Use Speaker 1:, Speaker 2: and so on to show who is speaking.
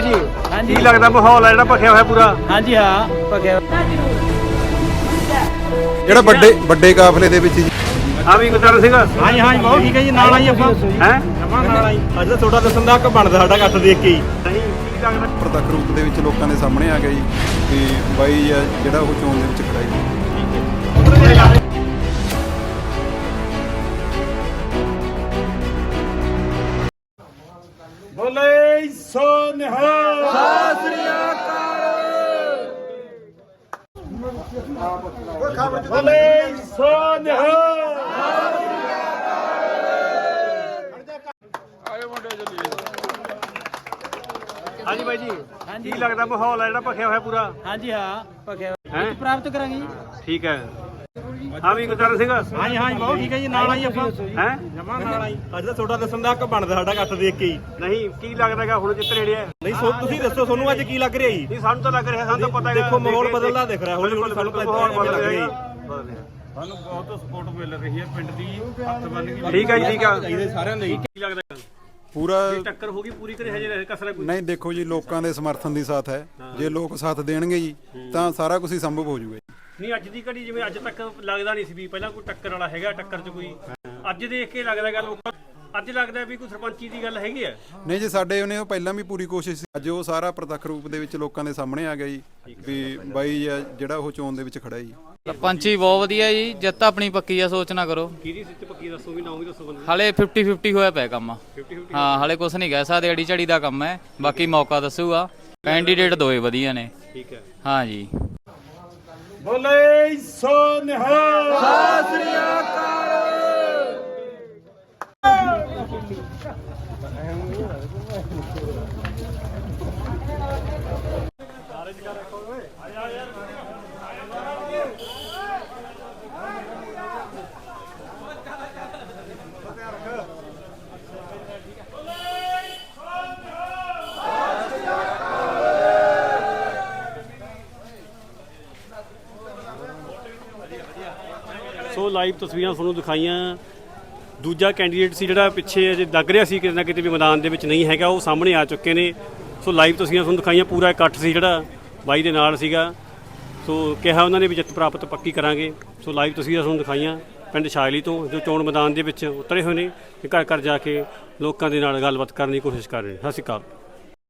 Speaker 1: ਬਾਈ ਜੀ ਕੀ ਲੱਗਦਾ ਮਾਹੌਲ ਹੈ ਜਿਹੜਾ ਭਖਿਆ ਹੋਇਆ ਪੂਰਾ?
Speaker 2: ਹਾਂਜੀ ਹਾਂ ਭਖਿਆ
Speaker 3: ਜਿਹੜਾ ਵੱਡੇ ਕਾਫਲੇ ਦੇ ਵਿੱਚ ਜੀ
Speaker 1: ਆ ਵੀ ਗੁਰਦਾਰਾ ਸਿੰਘ
Speaker 2: ਹਾਂਜੀ ਹਾਂਜੀ ਬਹੁਤ ਠੀਕ ਹੈ ਜੀ ਨਾਲ ਆਈ ਆਪਾਂ
Speaker 1: ਹੈ
Speaker 2: ਜਮਾ ਨਾਲ ਆਈ ਅੱਜ ਤਾਂ ਤੁਹਾਡਾ ਦੱਸਣ ਦਾ ਹੱਕ ਬਣਦਾ ਸਾਡਾ ਇਕੱਠ ਦੇਖ ਕੇ ਹੀ
Speaker 1: ਨਹੀਂ ਕੀ ਲੱਗਦਾ
Speaker 3: ਪ੍ਰਤੱਖ ਰੂਪ ਦੇ ਵਿੱਚ ਲੋਕਾਂ ਦੇ ਸਾਹਮਣੇ ਆ ਗਿਆ ਜੀ ਤੇ ਬਾਈ ਆ ਜਿਹੜਾ ਉਹ ਚੋਣ ਦੇ ਵਿੱਚ ਖੜਾ ਜੀ।
Speaker 2: ਬੋਲੇ ਸੋ ਨਿਹਾਲ ਸਤਿ ਸ੍ਰੀ ਅਕਾਲ ਬੋਲੇ ਸੋ ਨਿਹਾਲ
Speaker 1: ਹਾਂਜੀ ਬਾਈ ਜੀ ਕੀ ਲੱਗਦਾ ਮਾਹੌਲ ਹੈ ਜਿਹੜਾ ਭਖਿਆ ਹੋਇਆ ਪੂਰਾ?
Speaker 2: ਹਾਂਜੀ ਹਾਂ ਭਖਿਆ
Speaker 1: ਹੈ
Speaker 2: ਪ੍ਰਾਪਤ ਕਰਾਂਗੇ ਜੀ
Speaker 1: ਠੀਕ ਹੈ ਆ ਵੀ ਗੁਰਦਾਰਾ ਸਿੰਘ
Speaker 2: ਹਾਂਜੀ ਹਾਂਜੀ ਬਹੁਤ ਠੀਕ ਹੈ ਜੀ ਨਾਲ ਆਈ ਆਪਾਂ
Speaker 1: ਹੈ
Speaker 2: ਜਮਾ ਨਾਲ ਆਈ ਅੱਜ ਤਾਂ ਤੁਹਾਡਾ ਦੱਸਣ ਦਾ ਹੱਕ ਬਣਦਾ ਸਾਡਾ ਇਕੱਠ ਦੇਖ ਕੇ ਹੀ
Speaker 1: ਨਹੀਂ ਕੀ ਲੱਗਦਾਗਾ ਹੁਣ ਜਿੱਤ ਨੇੜੇ ਹੈ?
Speaker 2: ਨਹੀਂ ਤੁਸੀਂ ਦੱਸੋ ਤੁਹਾਨੂੰ ਅੱਜ ਕੀ ਲੱਗ ਰਿਹਾ ਜੀ
Speaker 1: ਨਹੀਂ ਸਾਨੂੰ ਤਾਂ ਲੱਗ ਰਿਹਾ ਸਾਨੂੰ ਤਾਂ ਪਤਾ ਹੈ
Speaker 2: ਦੇਖੋ ਮਾਹੌਲ ਬਦਲਦਾ ਦਿਖ ਰਿਹਾ ਹੌਲੀ ਹੌਲੀ ਸਾਨੂੰ ਤਾਂ
Speaker 1: ਮਾਹੌਲ
Speaker 2: ਇਦਾਂ
Speaker 1: ਬਦਲ
Speaker 2: ਲੱਗ ਰਿਹਾ
Speaker 1: ਰਿਹਾ
Speaker 2: ਜੀ
Speaker 1: ਸਾਨੂੰ ਬਹੁਤ ਸਪੋਰਟ ਮਿਲ ਰਹੀ ਹੈ ਪਿੰਡ ਦੀ ਹੱਥ ਬੰਨ ਕੇ ਠੀਕ ਹੈ ਜੀ ਠੀਕ ਆ
Speaker 2: ਸਾਰਿਆਂ ਲਈ
Speaker 1: ਕੀ ਲੱਗਦਾ
Speaker 3: ਪੂਰਾ
Speaker 1: ਟੱਕਰ ਹੋ ਗਈ ਪੂਰੀ ਕਰੇ ਹਜੇ ਕਸਰ ਕੋਈ
Speaker 3: ਨਹੀਂ ਦੇਖੋ ਜੀ ਲੋਕਾਂ ਦੇ ਸਮਰਥਨ ਦੀ ਸਾਥ ਹੈ ਜੇ ਲੋਕ ਸਾਥ ਦੇਣਗੇ ਜੀ ਤਾਂ ਸਾਰਾ ਕੁਝ ਹੀ ਸੰਭਵ ਹੋ ਜਾਊਗਾ ਜੀ।
Speaker 1: ਨਹੀਂ ਅੱਜ ਦੀ ਘੜੀ ਜਿਵੇਂ ਅੱਜ ਤੱਕ ਲੱਗਦਾ ਨਹੀਂ ਸੀ ਵੀ ਪਹਿਲਾਂ ਕੋਈ ਟੱਕਰ ਵਾਲਾ ਹੈਗਾ ਟੱਕਰ 'ਚ ਕੋਈ ਅੱਜ ਦੇਖ ਕੇ ਲੱਗਦਾ ਗੱਲ ਅੱਜ ਲੱਗਦਾ ਵੀ ਕੋਈ ਸਰਪੰਚੀ ਦੀ ਗੱਲ ਹੈਗੀ ਹੈ
Speaker 3: ਨਹੀਂ ਜੀ ਸਾਡੇ ਉਹਨੇ ਉਹ ਪਹਿਲਾਂ ਵੀ ਪੂਰੀ ਕੋਸ਼ਿਸ਼ ਸੀ ਅੱਜ ਉਹ ਸਾਰਾ ਪ੍ਰਤੱਖ ਰੂਪ ਦੇ ਵਿੱਚ ਲੋਕਾਂ ਦੇ ਸਾਹਮਣੇ ਆ ਗਿਆ ਜੀ ਵੀ ਬਾਈ ਆ ਜਿਹੜਾ ਉਹ ਚੋਣ ਦੇ ਵਿੱਚ ਖੜਾ ਜੀ।
Speaker 4: ਸਰਪੰਚੀ ਬਹੁਤ ਵਧੀਆ ਜੀ ਜਿੱਤ ਆਪਣੀ ਪੱਕੀ ਆ ਸੋਚ ਨਾ ਕਰੋ
Speaker 1: ਕਿਹਦੀ ਸਿੱਟ ਪੱਕੀ ਦੱਸੋ ਵੀ ਨਾਮ ਵੀ ਦੱਸੋ ਬੰਦੇ
Speaker 4: ਹਲੇ 50-50 ਹੋਇਆ ਪਿਆ ਕੰਮ
Speaker 1: 50-50
Speaker 4: ਹਾਂ ਹਲੇ ਕੁਛ ਨਹੀਂ ਕਹਿ ਸਕਦੇ ਅੜੀ ਝੜੀ ਦਾ ਕੰਮ ਹੈ ਬਾਕੀ ਮੌਕਾ ਦੱਸੂਗਾ ਕੈਂਡੀਡੇਟ ਦੋਏ ਵਧੀਆ ਨੇ
Speaker 1: ਠੀਕ ਹੈ
Speaker 4: ਹਾਂ ਜੀ
Speaker 2: ਬੋਲੇ ਸੋ ਨਿਹਾਲ ਸਤਿ ਸ੍ਰੀ ਅਕਾਲ
Speaker 1: ਸੋ ਲਾਈਵ ਤਸਵੀਰਾਂ ਤੁਹਾਨੂੰ ਦਿਖਾਈਆਂ ਦੂਜਾ ਕੈਂਡੀਡੇਟ ਸੀ ਜਿਹੜਾ ਪਿੱਛੇ ਅਜੇ ਲੱਗ ਰਿਹਾ ਸੀ ਕਿਤੇ ਨਾ ਕਿਤੇ ਵੀ ਮੈਦਾਨ ਦੇ ਵਿੱਚ ਨਹੀਂ ਹੈਗਾ ਉਹ ਸਾਹਮਣੇ ਆ ਚੁੱਕੇ ਨੇ। ਸੋ ਲਾਈਵ ਤਸਵੀਰਾਂ ਤੁਹਾਨੂੰ ਦਿਖਾਈਆਂ ਪੂਰਾ ਇਕੱਠ ਸੀ ਜਿਹੜਾ ਬਾਈ ਦੇ ਨਾਲ ਸੀਗਾ ਸੋ ਕਿਹਾ ਉਹਨਾਂ ਨੇ ਵੀ ਜਿੱਤ ਪ੍ਰਾਪਤ ਪੱਕੀ ਕਰਾਂਗੇ। ਸੋ ਲਾਈਵ ਤਸਵੀਰਾਂ ਤੁਹਾਨੂੰ ਦਿਖਾਈਆਂ ਪਿੰਡ ਸ਼ਾਇਲੀ ਤੋਂ ਜੋ ਚੋਣ ਮੈਦਾਨ ਦੇ ਵਿੱਚ ਉਤਰੇ ਹੋਏ ਨੇ ਤੇ ਘਰ ਘਰ ਜਾ ਕੇ ਲੋਕਾਂ ਦੇ ਨਾਲ ਗੱਲਬਾਤ ਕਰਨ ਦੀ ਕੋਸ਼ਿਸ਼ ਕਰ ਰਹੇ ਨੇ। ਸਤਿ ਸ਼੍ਰੀ ਅਕਾਲ।